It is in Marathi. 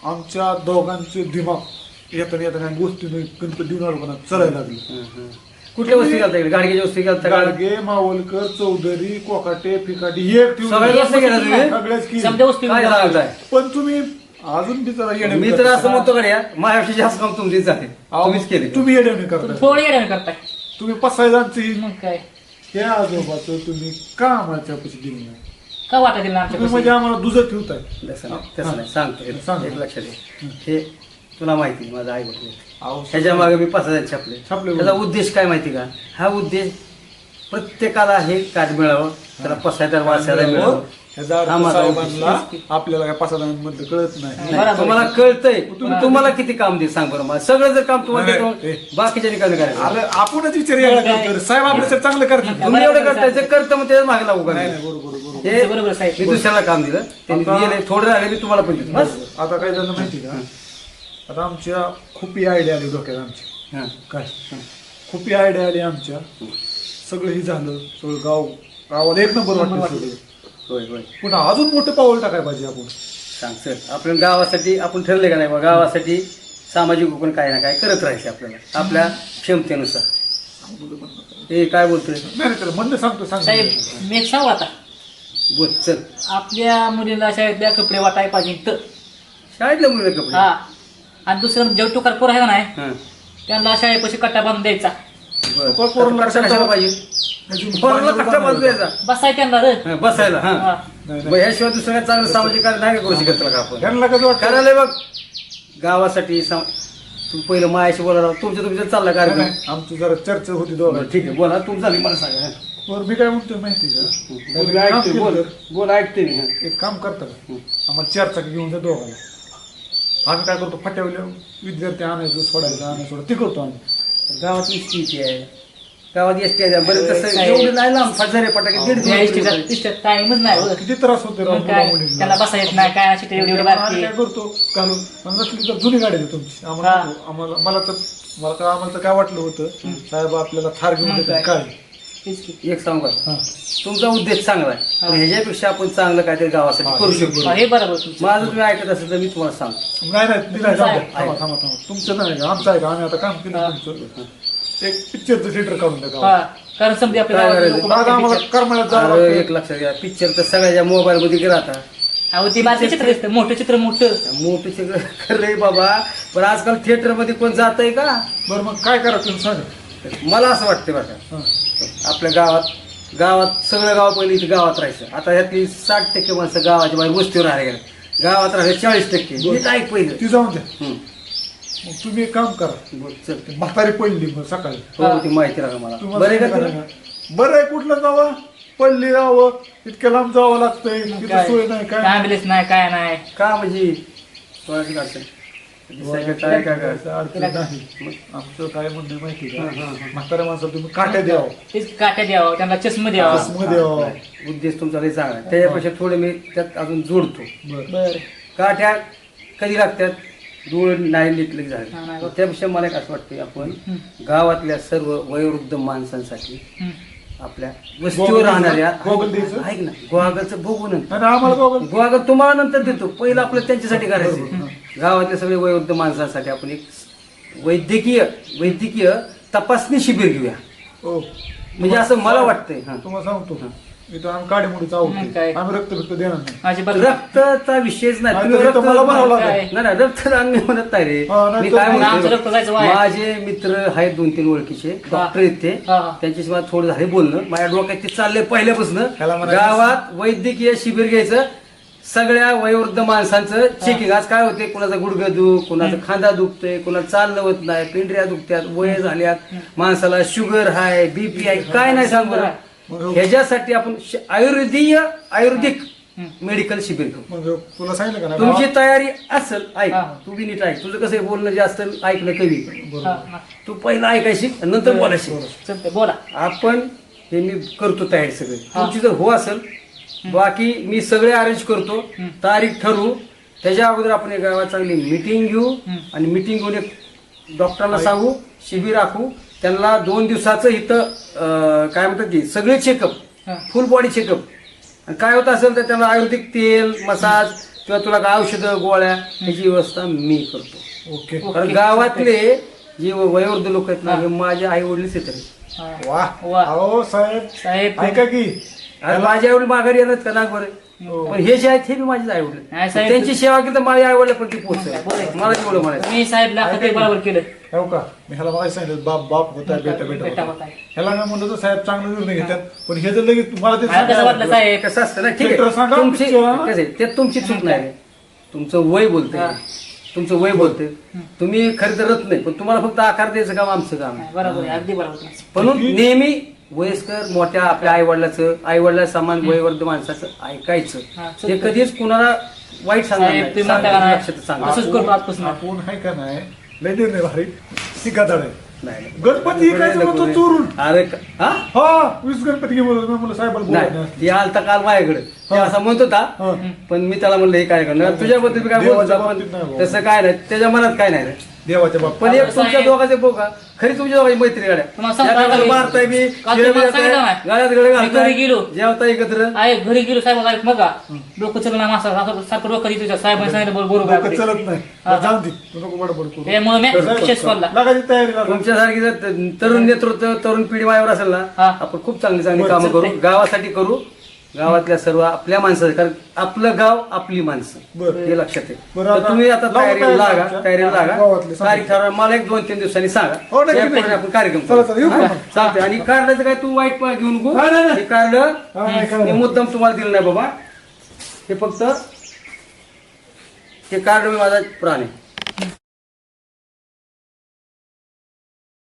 आमच्या दोघांचे दिमाग येताना गोष्टी गणपती देऊन आलो पण चलायला लागले. कुठल्या वस्ती घालता इकडे गाडगेच्या वस्ती घालता का? गाडगे, मावलकर, चौधरी, कोकाटे, फिकाटी एक ठेवून सगळ्या वस्ती गेला तुम्ही? सगळ्याच केली. समजा वस्तू काय सांगताय? पण तुम्ही अजून बी जरा येणे मी तर असं म्हणतो गड्या माझ्यापेक्षा जास्त काम तुमचीच आहे, तुम्हीच केले. तुम्ही येणे करता. थोडं येणं करताय तुम्ही पसायदांची मग काय त्या आजोबाचं तुम्ही का आम्हाला पैसे दिले नाही? का वाटा दिला तुम्ही आमच्या म्हणजे आम्हाला दुजत ठेवताय. तसं नाही सांगतो सांग. एक लक्षात घे. हे तुला माहिती माझा आई वडील अहो, ह्याच्या मागे मी 5,000 छापले. छापले. त्याचा उद्देश काय माहिती का? हा उद्देश प्रत्येकाला हे कार्ड मिळावं, त्याला पसायदार वाचायला मिळावं. ह्याचा अर्थ आम्हाला साहेबांना आपल्याला काय पसायदांमधलं कळत नाही. नाही, तुम्हाला कळतंय तुम्हाला किती काम दे सांग बरं मला. सगळं जर काम तुम्हाला नाही, देतो, नाही. बाकीच्या ठिकाणी करायचं. अरे आपणच विचार यायला करतो. साहेब आपल्यासाठी चांगलं करतात. तुम्ही एवढं करताय जे करतं मग त्याच्या मागे लागू नाही करा. नाही, बरोबर बरोबर. हे बरोबर साहेब. मी दुसऱ्याला काम दिलं त्यांनी आता- दिले थोडं राहिले मी तुम्हाला पण देतो बस. आता काय झालं माहिती का? आता आमच्या खूप आयडिया आली डोक्यात आमची. हां. काय खूप आयडिया आली आमच्या. सगळं हे झालं, सगळं गावाला एक नंबर वाटलं सगळं. होय होय पण अजून मोठं पाऊल टाकायला पाहिजे आपण. सांग सर. आपण गावासाठी आपण ठरले का नाही बा गावासाठी सामाजिक उपक्रम काय ना काय करत राहायचे आपल्याला आपल्या क्षमतेनुसार. हे काय बोलतोय नाही नाही, त्याला म्हणणं सांगतो सांग. साहेब मी एक सांगू आता बोल चल. आपल्या मुलीला शाळेतल्या कपडे वाटाय पाहिजे तर शाळेतल्या मुलीला कपडे. हा आणि दुसरं जेव टुकार पोर आहे का नाही हां. त्यांना शाळेपाशी कट्टा बांधून द्यायचा बरं. पोरांना कट्टा कशाला पाहिजे? पोरांना कट्टा बांधून द्यायचा. बसाय त्यांना रे हां, बसायला हा हा. नाही मग ह्याशिवाय दुसरं काय चांगलं सामाजिक कार्य नाही का करू शकत तुला का आपण? त्यांना कसं वाटतं? करायला बघ गावासाठी तू पहिलं मायाशी बोला तुमच्या चालला नाही, कार्यक्रम. नाही, आमची जरा चर्चा होती बरं, दोघांची. ठीक आहे बोला तुमचं झाली मला सांगा. बरं मी काय म्हणतोय माहिती का? बोल, मी ऐकतोय, बोल बोल ऐकते मी. हां. एक काम करता का? आम्हाला चर्चा घेऊन जा दोघांना. आम्ही काय करतो फाट्यावले विद्यार्थी आणायचं सोडायचं आणायचं सोडायचं ते करतो आम्ही. गावात एसटी आहे गावात एसटी आहे बरं तसं एवढं नाही लांब फटाके फटाके दीड या किलोमीटर. इष्टीत टाइमच नाही हो. किती त्रास होते राव मग काय मुला-मुलींना. त्याला बसा येत नाही काय अशी एवढी एवढी आम्ही बारकी काय करतो घालून आणि नसली तर जुनी गाडी देतो तुमची आम्हाला हा. नको. आम्हाला तर काय वाटलं होतं साहेब आपल्याला थार घेऊन मग देतात काय? काय. तेच की. एक सांगू का हा. तुमचा उद्देश चांगला आहे पण ह्याच्यापेक्षा आपण चांगलं काहीतरी गावासाठी करू शकतो. हा, हे बरोबर तुमचं. माझं तुम्ही ऐकत असेल तर मी तुम्हाला सांगतो. नाही नाही दिलाय तुमचं थांबा आहे. थांबा थांबा थांबा. तुमचं नाही का आमचं आहे का? आम्ही आता काम केलं तुमचं. एक पिक्चरचं थिएटर काढून द्या गावात. हा कारण समजा आपल्या काय गावात करायचं? लोकं दादा बघतात आम्हाला picture. करमाळ्यात जावं अरे, लागतं. एक लक्षात घ्या पिक्चर तर सगळ्या मोबाईल मध्ये राहतात. अहो ते बारके चित्र दिसतं मोठं चित्र मोठं मोठे सगळं खरंय बाबा पण आजकाल थिएटर मध्ये कोण जात आहे का? बरं मग काय करायचं तुम्ही सांगा. मला असं वाटतं बरं का हा. आपल्या गावात सगळं गाव पहिले इथे गावात राहायचं. आता ह्यातली 60% माणसं गावाच्या बाहेर वस्तीवर राहायला गेले. गावात राहिले 40%. नीट ऐक पहिलं. ती जाऊन द्या. हं. मग तुम्ही एक काम करा. बोल, चल. ती म्हातारी पडली मग सकाळी हो ती माहिती राहा मला. तुम्हाला बरं आहे का सांगा तुला? ना. बरं आहे कुठलं जावं पडली जावं इतक्या लांब जावं लागतंय तिथं सोय नाही काय ॲम्ब्युलन्स नाही काय नाही का म्हणजे कोणाची अडचण? दिसायला काय काय काय अडचण नाही. आमचं काय म्हणणं माहिती का? हा, हा, हा. म्हाताऱ्या माणसाला तुम्ही काट्या द्यावं तेच काट्या द्यावं त्यांना चष्मा द्यावा चष्मा द्यावं. उद्देश तुमचा लय चांगला आहे. त्याच्यापेक्षा थोडे मी त्यात अजून जोडतो. बरं बर काठ्या कधी लागतात धूळ नाही नीटले हा, झाले. नाही. त्यापेक्षा मला एक असं वाटतं आपण गावातल्या सर्व वयोवृद्ध माणसांसाठी आपल्या वस्तीवर गोगल राहणाऱ्या गोगल द्यायचं? ऐक ना गोवागलचं बघू नंतर आणि आम्हाला बघा गोवागल तुम्हाला नंतर देतो पहिलं आपलं त्यांच्यासाठी करायचं. गावातल्या सगळे वयोवृद्ध माणसांसाठी आपण एक वैद्यकीय तपासणी शिबिर घेऊया हो म्हणजे असं मला वाटतंय. हा. तुम्हाला सांगतो इथं आम्ही काडीमुडीचा आहोत मग काय? आम्ही रक्त देणार नाही. माझी बरं रक्ताचा विषयच नाही. आणि तुम्ही रक्त मला बनावं लागेल. काय? नाही रक्तदान मी म्हणत नाही रे. हा, नाही मी तर काय मग आमचं रक्त जायचं म्हणतो वाया. माझे मित्र आहेत 2-3 ओळखीचे डॉक्टर आहेत ते हा, हा. त्यांच्याशी मला थोडं झाले बोलणं माझ्या डोक्यात ते चाललंय पहिल्यापासून ह्याला म्हणायचं- गावात वैद्यकीय शिबिर घ्यायचं सगळ्या वयोवृद्ध माणसांचं चेकिंग. आज काय होते कुणाचा गुडघा दुख कुणाचा खांदा दुखतोय कुणाला चालणं होत नाही पिंढऱ्या दुखत्यात वय झाल्यात माणसाला शुगर आहे बीपी आहे काय नाही सांग बरं. ह्याच्यासाठी आपण आयुर्वेदिक मेडिकल शिबिर करू. मग तुला सांगितलं का नाही? तुमची तयारी असेल ऐक हा. तू बी नीट ऐक तुझं कसं आहे, बोलणं जास्त ऐकणं कमी. बरोबर. हा, तू पहिला ऐकायची नंतर बोलायची. चालतंय बोला आपण हे मी करतो तयारी सगळी तुमची जर हो असेल बाकी मी सगळे अरेंज करतो तारीख ठरवू त्याच्या अगोदर आपण एक गावात चांगली मिटिंग घेऊ आणि मिटिंग घेऊन एक डॉक्टरांना सांगू शिबिर राखू त्यांना 2 दिवसाचं इथं काय म्हणतात की सगळे चेकअप हा. फुल बॉडी चेकअप आणि काय होत असेल तर त्यांना आयुर्वेदिक तेल मसाज किंवा तुला काय औषधं गोळ्या याची व्यवस्था मी करतो. ओके कारण गावातले जे वयोवृद्ध लोक आहेत ना हे माझे आई वडीलच येतात. हा. वा वा. अहो साहेब साहेब ऐका की आणि माझे आई वडील माघारी येतात का ना बरं, हो. पण हे जे आहेत हे बी माझेच आई वडील. नाही साहेब. त्यांची सेवा केली तर माझ्या आई वडील पण ती बरोबर. पोहोचत मला तेवढं म्हणायचं. मी साहेबला ते बरोबर केलं. हो का मी ह्याला मला सांगितलं बाप बाप होता बेटा बेटा बेटा होता. ह्याला मी म्हणलं तर साहेब चांगला निर्णय घेतात पण हे जर लगेच मला ते मला कसं वाटलं साहेब कसं असतं ना ठीक Picture सांगा, आहे तुमची picture हा. कसं आहे, ते तुमची चूक नाही रे. तुमचं वय बोलतंय हा. तुमचं वय बोलतंय तुम्ही खरी तर रत नाही पण तुम्हाला फक्त आकार द्यायचं काम आमचं काम आहे. बरोबर आहे, अगदी बरोबर आहे. म्हणून नेहमी वयस्कर मोठ्या आपल्या आई वडिलांना समान वयवर्ध माणसाचं ऐकायचं. हा, ते कधीच कुणाला वाईट सांगणार साहेब, नाही. तुम्ही म्हणता का नाही? लक्षात सांगा. असंच करतो आजपासून. आपण आहे का नाही लय निर्णय भारी सिकादाड आहे नाही, नाही. गणपती काय म्हणतो चोरून अरे हा हा 20 गणपती घेऊन मी म्हणलं साहेबाला बोलत नाही ती आलता काल माझ्याकडे ते असं म्हणत होता हा. पण मी त्याला म्हणलं हे काय करणार तुझ्याबद्दल मी काय बोलतो देवाच्या पण बाबतीत नाही बाबा. तसं काय नाही त्याच्या मनात काय नाही रे. देवाच्या बाप पण एक साहेब- तुमच्या दोघांचे बघा खरी तुमच्या दोघांची मैत्री गाड्या तुम्हाला सांगतो का मी? मारताय मी काल तुम्हाला सांगितलं नाही. गाड्यात गळे मी घरी गेलो. जेवता एकत्र आहे घरी गेलो साहेब ऐक मग डोकं चल ना मासा सारखं डोकं देतो तुझ्या साहेबांनी सांगितलं बरोबर डोकं आहे. चलत नाही हा. जाऊन दे तू नको बडबड करू त्यामुळे मी विशेष बोलला. लागायची तयारी लागा. तुमच्यासारखी जर तरुण नेतृत्व तरुण पिढी माझ्यावर असेल ना हा. आपण खूप चांगली चांगली बरं, कामं करू चालतंय. गावासाठी करू गावातल्या सर्व आपल्या माणसाचं कारण आपलं गाव आपली माणसं बरं. हे लक्षात आहे. बरं, तर आता तुम्ही आता लावू तयारीला तयारी लागा आमच्या. तयारीला लागा गावातले सांगा. तारीख ठरवा मला एक 2-3 दिवसांनी सांगा हो, नक्की, त्याप्रमाणे नक्की. आपण कार्यक्रम चला, चला, येऊ करू. का हा? मग? चालतंय आणि कार्डाचं काय तू वाईट घेऊन नको नाही, नाही, नाही. हे कार्ड हा, नाही, काय हे नाही. मुद्दाम तुम्हाला दिलं नाही बाबा हे फक्त हे कार्ड मी माझा प्राण आहे